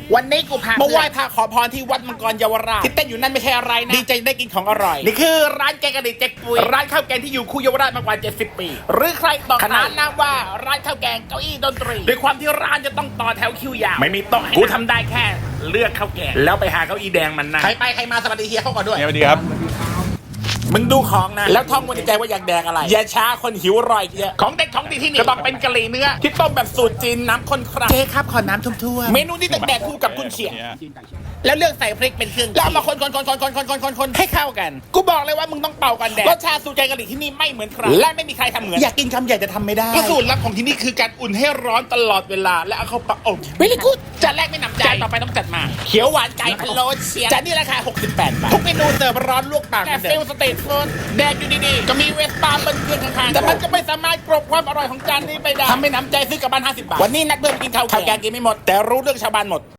วันนี้กูพามาไหว้พระขอพรที่วัดมังกรเยาวราชที่เต้นอยู่นั่นไม่ใช่อะไรนะดีใจได้กินของอร่อยนี่คือร้านแกงกะหรี่เจ๊กปุยร้านข้าวแกงที่อยู่คู่เยาวราชมากว่า70 ปีหรือใครต่อขนานนามว่าร้านข้าวแกงเก้าอี้ดนตรีด้วยความที่ร้านจะต้องต่อแถวคิวยาวไม่มีโต๊ะกูทำได้แค่เลือกข้าวแกงแล้วไปหาเก้าอี้แดงมันนั่งใครไปใครมาสวัสดีเฮียเขาก่อนด้วยสวัสดีครับมึงดูของนะแล้วท่องไว้ในใจว่าอยากแดกอะไรอย่าช้าคนหิวอร่อยเยอะของเด็ดของดีที่นี่ก็ต้องเป็นกะหรี่เนื้อที่ต้มแบบสูตรจีนน้ำข้นครับเจ๊ครับขอน้ำท่วมๆเมนูที่แดกคู่กับกุนเชียงแล้วเลือกใส่พริกเป็นเครื่องแล้วเอามาคนให้เข้ากันกูบอกเลยว่ามึงต้องเป่ากันแดกรสชาติสูตรแกงกะหรี่ที่นี่ไม่เหมือนใครและไม่มีใครทำเหมือนอยากกินคำใหญ่จะทำไม่ได้เพราะสูตรลับของที่นี่คือการอุ่นให้ร้อนตลอดเวลาและเอาเข้าปากอบเวลี่กูดจานแรกไม่หนำใจต่อไปต้องจัดมาเขียวหวานไก่พะโล้เชียงจานนี้ราคา68 บาททุกเมนูเสิร์ฟร้อนลวกปากแกฟิลสเตทฟู้ดแดกอยู่ดีๆก็มีเวสป้าเป็นเครื่องข้างๆแต่มันก็ไม่สามารถกลบความอร่อยของจานนี้ไปได้ทำไม่หนำใจซื้อกลับบ้าน50 บาทวันนี้นัดเพื่อนไปกินข้าวแกงกินไม่หมดแต่รู้เรื่องชาวบ้านหมด